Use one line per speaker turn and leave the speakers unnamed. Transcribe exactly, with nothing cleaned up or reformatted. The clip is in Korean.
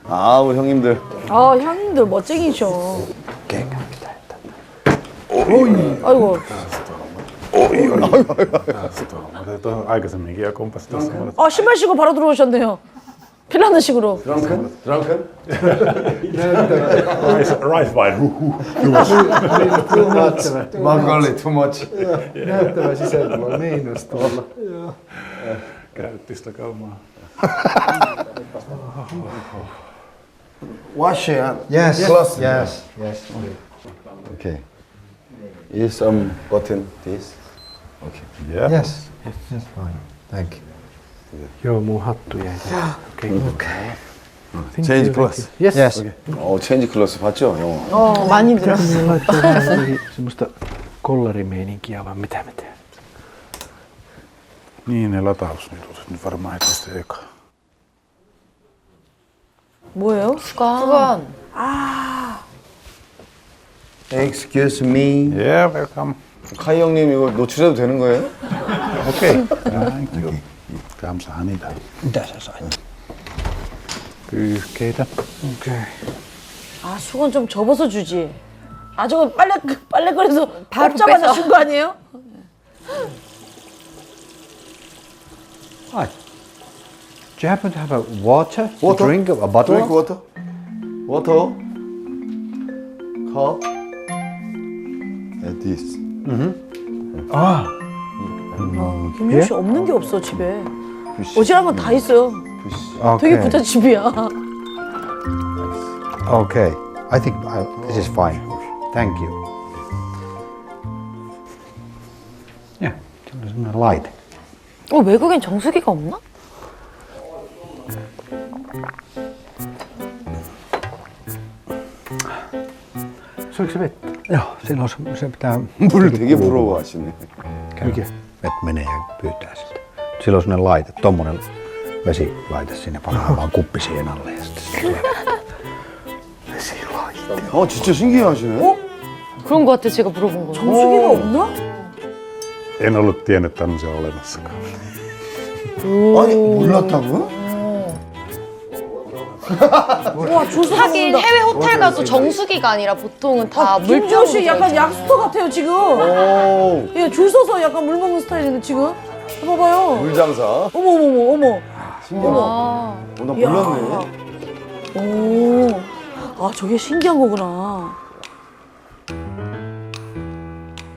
아우 형님들.
아 형님들 멋쟁이셔.
오케이.
아이고.
Tuohon aikaisemminkin ja kompas tuossa.
아 신발 신고 바로 들어오셨네요. 핀란드식으로.
드렁큰? 드렁큰?
Rice, rice wine.
Too much. Mongolia, too much.
Näyttävä sisällä miinus tuolla.
Käytti sitä kaumaa.
Wash your hand.
Yes,
Close.
yes, yes.
Okay. Is some button this? Okay.
Yeah.
Yes, yes, fine. Thank you.
Joo, mun hattu jäi. Okei.
Okay.
Change clothes.
Yes.
Yes.
어, 체인지 클래스 봤죠, 영어?
어 많이 들었어.
Laittaa vähän jotenkin semmoista kollarimeininkiä, vaan mitä me teemme.
Niin, ne latausnidut. Nyt varmaan heti sitten eka.
뭐예요?
수건.
Excuse me.
Yeah, welcome.
카이 형님 이거 노출해도 되는 거예요?
Okei. Thank you. 감사합니다.
Mitä sä sait?
Pyyhkeitä.
Okei.
아 수건 좀 접어서 주지. 아 저거 빨래 빨래거리에서
바로
뽑자마자
뺏어.
준 거 아니에요?
Hi. Do you happen to have a water to
Water?
drink? A bottle?
Drink water. Water. Cup. And this.
Ah.
김효 씨 없는 게 없어 집에.
Fish.
어지간한 건 다 있어요.
Fish.
되게
Okay.
부잣집이야.
Okay. I think I, this is fine. Thank you. Yeah, there's a light.
어, 외국엔 정수기가 없나?
Soiko se vettä?
Joo, silloin se, se pitää...
물 되게 부러워하시네.
Mikä?
Vet menee ja pyytää sitä. Silloin on sellainen laite, tommonen vesilaite sinne pannaan vaan kuppi siihen alle ja sitten se vesilaite.
어, 진짜 신기해하시네.
그런 거 같아, 제가 물어본 거.
정수기가 없나?
En ollut tiennyt tämmöisiä olemassakaan.
아니, 몰랐다고요?
와 줄서
하긴 해외 호텔 가도 정수기가 아니라 보통은 다
김효
물병으로
씨 약간
되어 있잖아요.
약수터 같아요 지금.
오,
예, 줄 서서 약간 물 먹는 스타일인데 지금. 봐봐요.
물장사.
어머 어머 어머
신기하다.
아,
어, 나 몰랐네.
어머. 오. 아 저게 신기한 거구나.